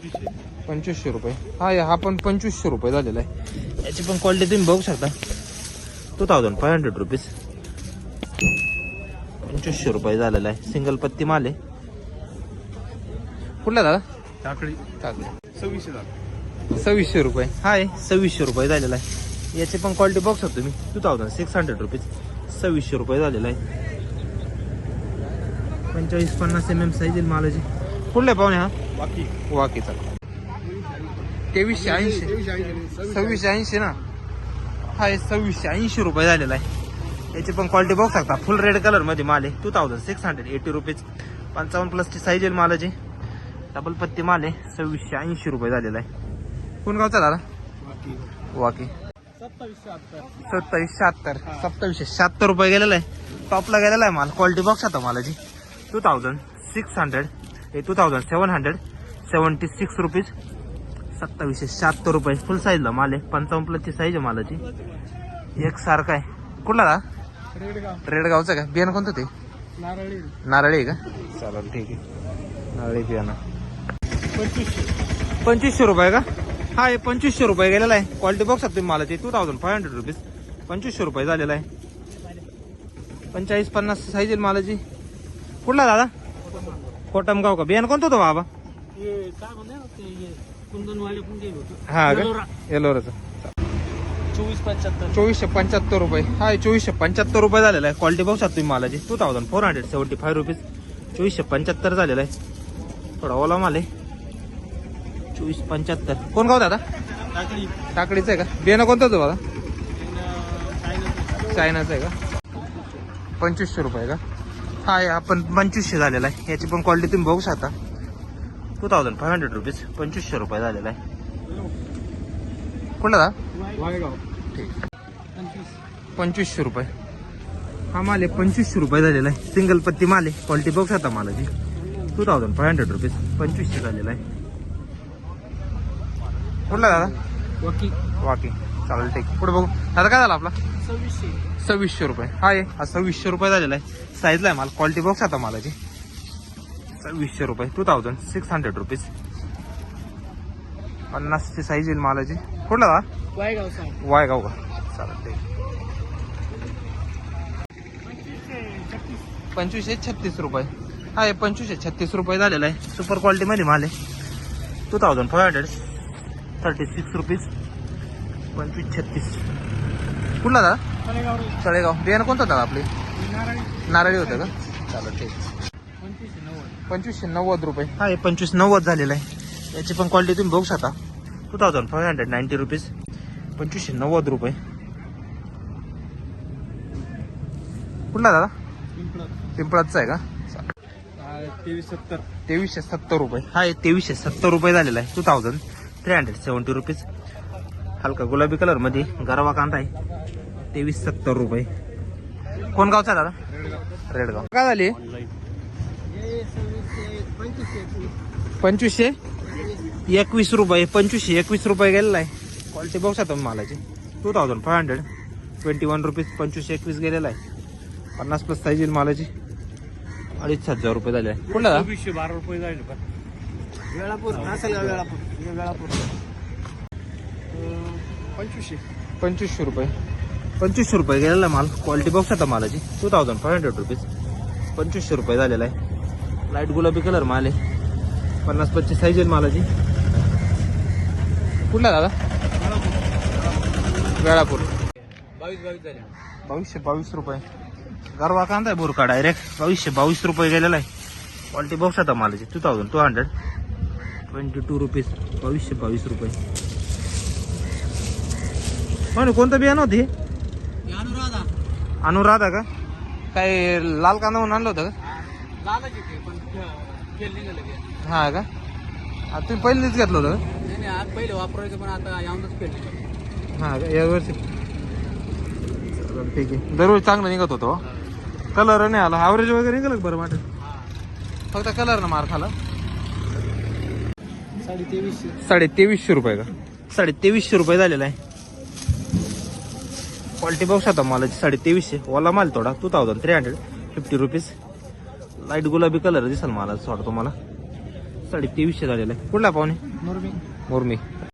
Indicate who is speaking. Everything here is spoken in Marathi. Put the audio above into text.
Speaker 1: 2500 रुपये. हा पण 2500 रुपये झालेला आहे. याची पण क्वालिटी तुम्ही बघू शकता. 2500 रुपीज. 2500 रुपये झालेला आहे. सिंगल पत्ती माल आहे. कुठला दादा?
Speaker 2: टाकळी.
Speaker 1: 2600 रुपये. 2600 रुपये झालेला आहे. याची पण क्वालिटी बघू शकता तुम्ही. 2600 रुपीज. 2600 रुपये झालेला आहे. 45-50 mm साईज येईल मालाची. कुठला पाहुणे हा? वाकीचा. 2380. 2680 ना. हा 2680 रुपये झालेला आहे. याची पण क्वालिटी बघू शकता. फुल रेड कलर मध्ये माल आहे. 2680 रुपीज. 55+ ची साईज येईल मालाची. डबल पत्ती माल आहे. 2680 रुपये झालेला आहे. कोण गावचा दादा? वाकी. 2776 रुपये गेलेला आहे. टॉपला गेलेला आहे माल. क्वालिटी बघू शकता मालाची. 2776 रुपीज. 2776 रुपये. फुल साईजला माल आहे. 55+ ची साईज आहे मालाची. एक सारखा आहे. कुठला दा? रेडगावचा का? बियाणं कोणतं ते? नारळी आहे का? चालेल ठीक आहे. नारळी बियाणं. 2500 रुपये का? 2500 रुपये गेलेला आहे. क्वालिटी बघू शकता तुम्ही मालाची. 2500 रुपीज. 2500 रुपये झालेला आहे. 45-50 साईज आहे मालाची. कुठला दादा? कोटमगाव का? बियाणं कोणतं होतं बाबा? हा का? येलोराचं. 2475 रुपये. 2475 रुपये झालेला आहे. क्वालिटी बघू शकता तुम्ही मालाची. 2475 रुपीज. 2475 झालेला आहे. थोडा ओला माल आहे. 2475. कोण गाव दादा? टाकडीचं आहे का? बियाणं कोणतं होतं दादा? चायनाचं आहे का? 2500 रुपये का? आपण 2500 झालेला आहे. याची पण क्वालिटी तुम्ही बघू शकता. 2500 रुपीज. 2500 रुपये झालेला आहे. कुठला दा? ठीक. 2500 रुपये. हा माल आहे. 2500 रुपये झालेला आहे. सिंगल पत्ती माल आहे. क्वालिटी बघू शकता मालाची. 2500 रुपीज. 2500 झालेला आहे. कुठला दादा? वाकी. चालेल ठीक. पुढे बघू दादा. काय झालं आपला? 2600 रुपये. हा 2600 रुपये झालेला आहे. साईजला आहे माल. क्वालिटी बघू शकता मालाची. 2600 रुपये. 2600 रुपीज. 50 ची साईज येईल मालाची. कुठला दादा? वायगाव का? चालेल ठीक. 2536 रुपये. 2536 रुपये झालेला आहे. सुपर क्वालिटी मध्ये माल आहे. 2536 रुपीज. 2536. कुठला दादा? तळेगाव. बियाणं कोणतं दादा आपले? नारळी होतं का? चालेल ठीक. 2590 रुपये. 2590 झालेला आहे. याची पण क्वालिटी तुम्ही बघू शकता. 2590 रुपीज. 2590 रुपये. कुठला दादा? पिंपळाचा आहे का? 2370 रुपये. 2370 रुपये झालेला आहे. 2370 रुपीज. हलका गुलाबी कलर मध्ये गरवा कांदा आहे. 2370 रुपये. कोण गावचा दादा? रेडगाव. काय झाली? 2521 रुपये. 2521 रुपये गेलेला आहे. क्वालिटी बघू शकता मालाची. 2521 रुपीज. 2521 गेलेला आहे. 50+ साईज येईल मालाची. 2500 रुपये झाले. कुठला?
Speaker 2: 12 रुपये झाले. वेळापूर.
Speaker 1: 2500 रुपये. 2500 रुपये गेलेला माल. क्वालिटी बघू शकता मालाची. 2500 रुपीज. 2500 रुपये झालेला आहे. लाईट गुलाबी कलर माल आहे. 50-25 साईज येईल मालाची. कुठला दादा? वेळापूर. 2222 रुपये. गरवा कांदा आहे बोरका डायरेक्ट. 2222 रुपये गेलेला आहे. क्वालिटी बघू शकता मालाची. 2222 रुपीज. 2222 रुपये. पण कोणतं बियाणं होती? अनुराधा का? काय लाल कांदा म्हणून आणलं होतं का? हा का? तुम्ही पहिलेच घेतलं होतं का?
Speaker 2: पहिले वापरायचं पण आता यावूनच केलं.
Speaker 1: हा का? यावर्षी ठीक आहे. दररोज चांगलं निघत होतो. कलर नाही आला. ॲव्हरेज वगैरे निघालं बरं वाटत. फक्त कलर ना मार खाला. 2300 रुपये का? 2300 रुपये झालेला आहे. क्वालिटी बघू शकता मालाची. 2350. ओला माल थोडा. 2350 रुपीज. लाईट गुलाबी कलर दिसाल मला थोडा तुम्हाला. 2300 झालेला आहे. कुठला पाहुणे?
Speaker 2: मुरमी
Speaker 1: मुरमी.